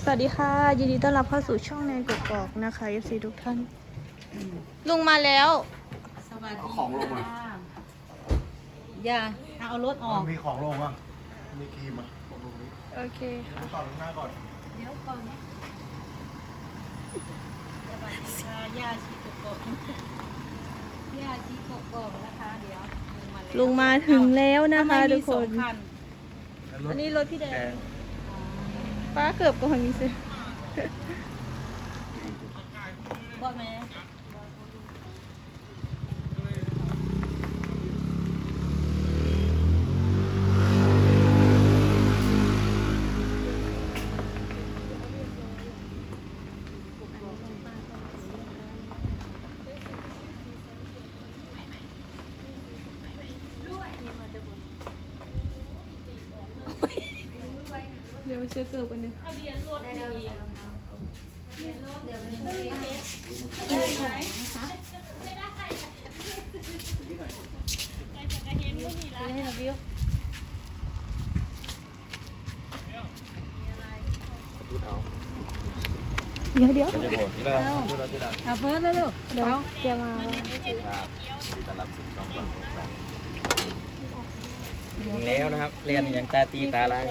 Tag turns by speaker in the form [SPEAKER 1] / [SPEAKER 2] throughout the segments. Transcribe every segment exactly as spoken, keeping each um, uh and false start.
[SPEAKER 1] สวัสดีค่ะยินดีต้อนรับเข้าสู่ช่องแนนกกอกนะคะ เอฟ ซี ทุกท่านลุงมาแล้ว
[SPEAKER 2] สวัสดี
[SPEAKER 3] เอาของลงมา
[SPEAKER 2] อย่าเอารถออก
[SPEAKER 3] มีของลงอ่ะมีครีมอ่ะของลงนี้
[SPEAKER 1] โอเคค่ะ
[SPEAKER 3] ต่อลงหน้าก่อน
[SPEAKER 2] เดี๋ยวก่อนนะสวัสดีค่ะย่าชีกกอกย่าชีกกอกนะคะเดี๋ยว
[SPEAKER 1] ลุงมาถึงแล้วนะคะทุกคน
[SPEAKER 3] แล้วรถ
[SPEAKER 1] อันนี้รถพี่แด
[SPEAKER 3] แด
[SPEAKER 1] ง
[SPEAKER 3] ง
[SPEAKER 1] ป้าเกือบก่อนมีสิ
[SPEAKER 2] พ่อแม่
[SPEAKER 1] เดี๋ยวเชื่อเกือบกันเนี่ยให้เราวิวเดี๋ยวเดี๋ยว
[SPEAKER 2] เอาเพิ่มแล้วลูก
[SPEAKER 1] เดี๋ยวจะมา
[SPEAKER 4] ถึงแล้วนะครับเรียนอย่างตาตีตาลาย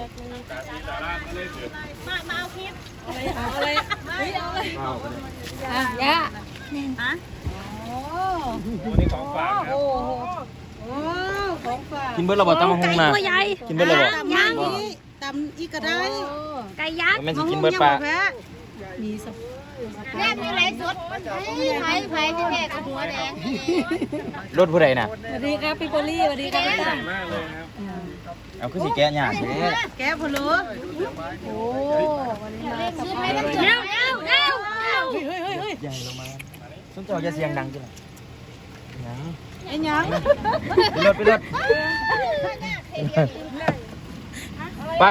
[SPEAKER 2] เอาอะไรเอาอะไร
[SPEAKER 4] ว้าว
[SPEAKER 2] อ่ะย่าฮะ
[SPEAKER 4] นี่ของฝากครับ
[SPEAKER 2] โอ้โหโอ้ของฝาก
[SPEAKER 4] กินเบิร์ดระเบิดตำมะฮุงนะ
[SPEAKER 1] ตัวใหญ่
[SPEAKER 4] กินเบิร์ดระเบิด
[SPEAKER 2] ย่างนี้ตำอีกก็ได้
[SPEAKER 1] ไก่ยักษ์
[SPEAKER 4] แม่นสิกินเบิร์ดปลา
[SPEAKER 2] มีส
[SPEAKER 5] แม่มีอะไรสดไผ่ไผ่พี่แม่กับหัวแดง
[SPEAKER 4] รถผู้ใดน่ะ
[SPEAKER 2] สวัสดีครับพี่โบลี่สวัสดีครับจ้า
[SPEAKER 4] เอาขึ้นสีแก้หยาดแท้
[SPEAKER 2] แก้พะโล้โอ้วันนี้มา
[SPEAKER 5] ซื้อไปน้ำเร็วเร็วเร็วเร็ว
[SPEAKER 2] เฮ้ยเฮ้ยเฮ้ยเฮ้ย
[SPEAKER 4] ใหญ่ลงมาส้นเจ้าจะเสียงดังจังยัง
[SPEAKER 2] ไอ้ยัง
[SPEAKER 4] ไปรถไปรถไป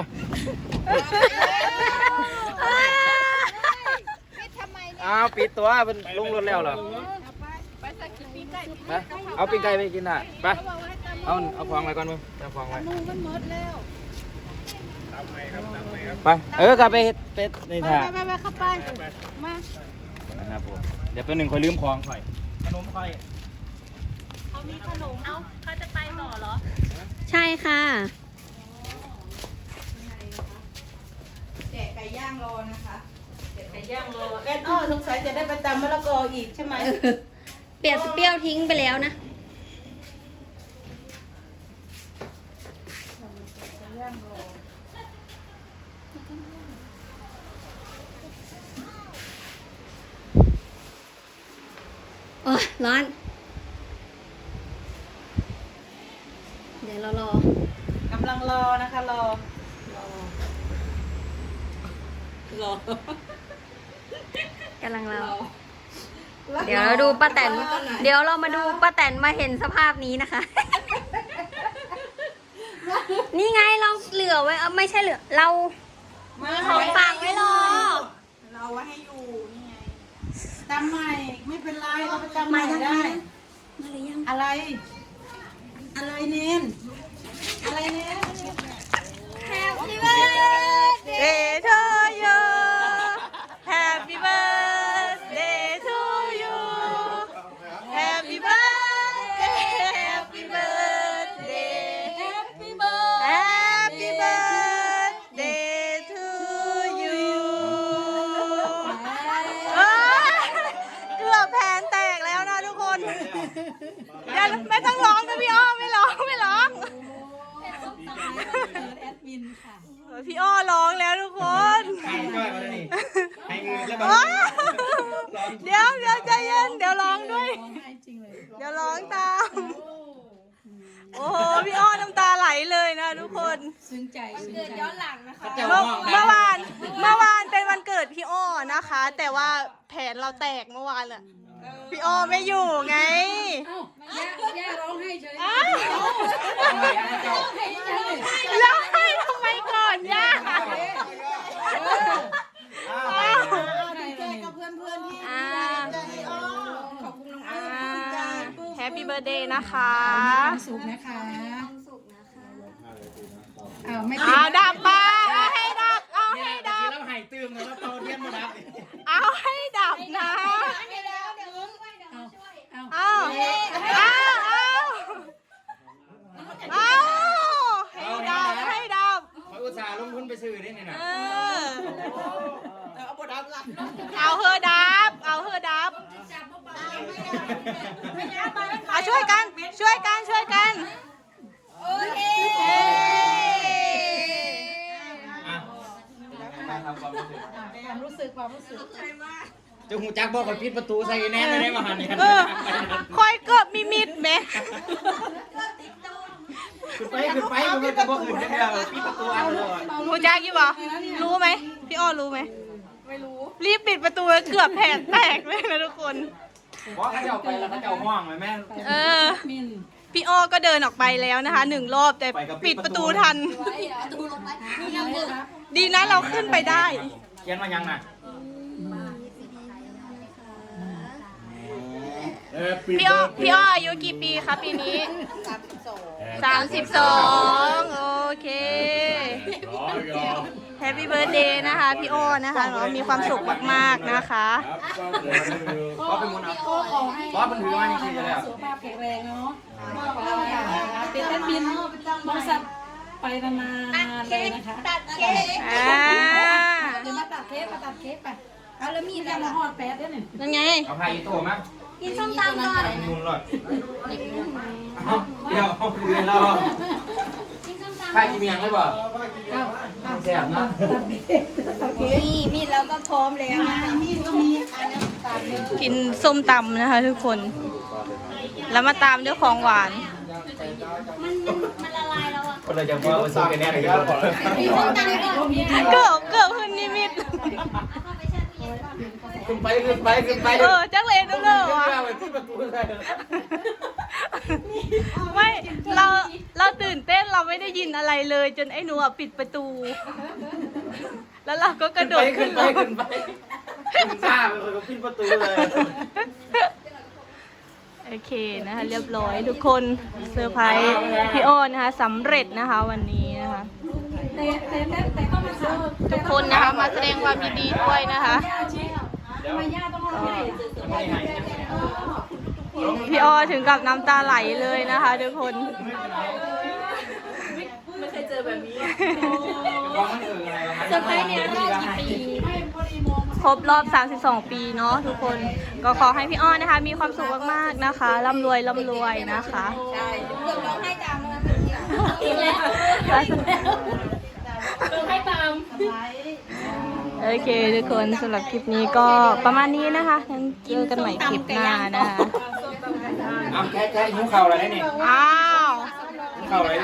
[SPEAKER 4] เอาปิดตัวเป็นลงรถแล้วเหรอไปเอาปิ้งไก่ไปกินน่ะไปเอาเอาฟองไว้ก่อนมึงเอาฟองไว้
[SPEAKER 2] มันหมดแล้ว
[SPEAKER 4] ไปเออกลับไปเฮ็ดเป็ดใน
[SPEAKER 2] ไป
[SPEAKER 4] ถาด
[SPEAKER 2] ไปไปเข้าไปมา
[SPEAKER 4] นะครับผมเดี๋ยวเป็นหนึ่งคอยลืมของคอยขนมคอย
[SPEAKER 2] เอามีขนมเอาเขาจะไปต่อเหรอ
[SPEAKER 1] ใช่ค่ะ
[SPEAKER 2] แจกไก่ย่างรอนะคะแจกไก่ย่างรอแอนอ้อสงสัยจะได้ไปตำมะละกออีกใช่ไหม
[SPEAKER 1] เปลี่ยนเปรี้ยวทิ้งไปแล้วนะโอ้ยร้อน เดี๋ยวเรารอก
[SPEAKER 2] ำลังรอนะคะรอรอก
[SPEAKER 1] ำลังรอเดี๋ยวเราดูป้าแตนเดี๋ยวเรามาดูป้าแตนมาเห็นสภาพนี้นะคะ นี่ไงเราเหลือไว้เออไม่ใช่เหลือเรา
[SPEAKER 2] มา
[SPEAKER 1] ของฝากไว้รอ
[SPEAKER 2] เราไว้ให้อยู่นี่ไงตำใหม่ไม่เป็นไรเราไปตำใหม่ได้
[SPEAKER 1] มาหรือยัง
[SPEAKER 2] อะไร อะไรเน้นอะไรเน้น
[SPEAKER 1] Happy birthday to you Happy birthday to you Happy birthday Happy birthday
[SPEAKER 2] Happy birthday
[SPEAKER 1] Happy birthday to you เอ้ยเกือบแผนแตกแล้วนะทุกคนอย่าไม่ต้องร้องนะพี่อ้อมไม่ร้องไม่ร้อง
[SPEAKER 2] แอดมินค่ะ
[SPEAKER 1] พี่อ้อร้องแล้วทุกคน
[SPEAKER 4] ให้เงินแล้วนี่ให้เงินแล้ว
[SPEAKER 1] ว้าวเดี๋ยวเดี๋ยวใจเย็นเดี๋ยวร้องด้วย
[SPEAKER 2] ร้องไห้จริงเลย
[SPEAKER 1] เดี๋ยวร้องตาม โอ้โหพี่อ้อน้ำตาไหลเลยนะทุกคน
[SPEAKER 2] ซึ้งใจซึ้งใจ
[SPEAKER 5] ย้อนหลังนะคะ
[SPEAKER 1] เมื่อเมื่อวานเมื่อวานเป็นวันเกิดพี่อ้อนะคะ แต่ว่าแผนเราแตกเมื่อวานอะพี่อ้อไม่อยู่ไง
[SPEAKER 2] ย่าย่าร้องไห้เฉย
[SPEAKER 1] อ้าว
[SPEAKER 2] ร้องไห้เฉย
[SPEAKER 1] แล้วให้ทำไมก่อนย่า
[SPEAKER 2] ดีใจกับเพื่อนเพื่อนๆที่
[SPEAKER 1] อ่า
[SPEAKER 2] ใจอ้อขอบคุณน้องอ้อ
[SPEAKER 1] อ่า
[SPEAKER 2] ขอบคุณใจ
[SPEAKER 1] แฮปปี้เบิร์ดเดย์นะคะ
[SPEAKER 2] ความสุขนะคะอ้าวไม่ติ
[SPEAKER 1] อ่า
[SPEAKER 2] ด
[SPEAKER 1] ดับปะเอาให้ดับ เอาให้ดับ
[SPEAKER 4] แล้วหายตื้มแล้ว
[SPEAKER 2] เอาบดับละ
[SPEAKER 1] เอาเฮอดับ เอาเฮอดับเอาช่วยกัน ช่วยกัน ช่วยกัน
[SPEAKER 2] โอเค
[SPEAKER 1] เอ้ย
[SPEAKER 4] อ่ะมาทำความรู้สึก
[SPEAKER 2] ความรู้สึกความรู้สึก
[SPEAKER 4] จะหูจักบอกกับปิดประตูใส่แน่ไม่ได้มาหันเนี่ย
[SPEAKER 1] เออคอยเกือบมีมิดไหม
[SPEAKER 4] ขึ้นไปขึ้นไปมันจะบอกอื่นได้แล้วปิดประตูอันเลย
[SPEAKER 1] หูจักอยู่บ่รู้ไหม พี่อ้อรู้ไหม ไม่รู้ รีบปิดประตูเกือบแผ่นแตกเลยนะทุกคน
[SPEAKER 4] เพราะเขาจะเอาไปแล้วเขาจะเอาห้องไหมแม่
[SPEAKER 1] เออ พี่อ้อก็เดินออกไปแล้วนะคะหนึ่งรอบแต่ปิดประตูทัน ดีนะเราขึ้นไปได้
[SPEAKER 4] เขียนมายังน่ะ
[SPEAKER 1] พี่อ้อพี่อ้ออายุกี่ปีคะปีนี้ สามสิบสองโอเคแฮปปี้เบิร์ดเดย์นะคะพี่อ้อนะคะเนาะมีความสุขมากๆนะคะ
[SPEAKER 4] เพราะเป็นมูลเอาเพราะมันถือมาจริงๆเลยอ่ะ
[SPEAKER 2] สุขภาพแข็งแรงเนาะเป็นแอดมินบริษัทไปนานๆเลยนะคะตัดเค้ก
[SPEAKER 1] อ่า
[SPEAKER 2] เดี๋ยวมาตัดเค้กมาตัดเค้กไปเอาแล้วมีอะไรหอดแป๊ดด้วยเนี่ย
[SPEAKER 1] นั่นไง
[SPEAKER 4] เอาพายอีโต้มั้ย
[SPEAKER 5] กินส้มตำก่อน
[SPEAKER 4] มุนเลยเดี๋ยวเอาคืนเรา
[SPEAKER 5] กินส้มตำ
[SPEAKER 4] พายกินเมียงได้ป่ะแซ่บนะ
[SPEAKER 5] นี่มีดเราก็พร้อมแล้วนะ
[SPEAKER 2] มีดก็มีอันนี้ตัดเลย
[SPEAKER 1] กินส้มตำนะคะทุกคน แล้วมาตามด้วยของหวาน
[SPEAKER 5] มันมันมันละลายแล้วอ่ะ
[SPEAKER 4] คนเราจะว่าซื้อกันแน่เลยครับ
[SPEAKER 5] มีส้มตำก่อน
[SPEAKER 1] เกือบเกือบขึ้นนิมิต
[SPEAKER 5] เอาไปแช่ตู้เย็นก่อน
[SPEAKER 4] ขึ้นไปขึ้นไปขึ้นไป
[SPEAKER 1] เออจักเลยจังเลยวะ
[SPEAKER 4] ที่ประตูเลย
[SPEAKER 1] ไม่เราเราตื่นเต้นเราไม่ได้ยินอะไรเลย จนไอ้หนูอะปิดประตู แล้วเราก็กระโดด
[SPEAKER 4] ขึ้
[SPEAKER 1] ขึ้
[SPEAKER 4] น
[SPEAKER 1] น
[SPEAKER 4] ไป
[SPEAKER 1] รถ
[SPEAKER 4] ขึ้นไปขึ้นข้าไปคนก็ปิดประตูเลย
[SPEAKER 1] โอเคนะคะเรียบร้อยทุกคนเซอร์ไพรส์พี่อ้อนนะคะสำเร็จนะคะวันนี้นะคะ
[SPEAKER 2] แต่แต่แต่แต่ก็มาซื้อ
[SPEAKER 1] ทุกคนนะคะมาแสดงความยินดีด้วยนะคะ
[SPEAKER 2] ทำไมย่าต้องมาให้
[SPEAKER 1] พี่อ้อถึงกับน้ำตาไหลเลยนะคะทุกคน
[SPEAKER 5] เซอร์ไพรส์เนี่ยรอบกี่ปี
[SPEAKER 1] ครบรอบ สามสิบสอง ปีเนาะทุกคน ก็ขอให้พี่อ้อนะคะ มีความสุขมากๆนะคะร่ำรวยร่ำรวยนะคะ
[SPEAKER 5] ใช่เกือบร้องไห้ตามแล้วนะอีกแล้วร้องไห้ตาม
[SPEAKER 1] โอเคทุกคนสำหรับคลิปนี้ก็ประมาณนี้นะคะงั้นเจอกันใหม่คลิปหน้านะคะ
[SPEAKER 4] อ้าวแค่แค่หิ้วเข่าอะไรเนี่ย
[SPEAKER 1] อ้าว
[SPEAKER 4] หิ้วเข่าอะไร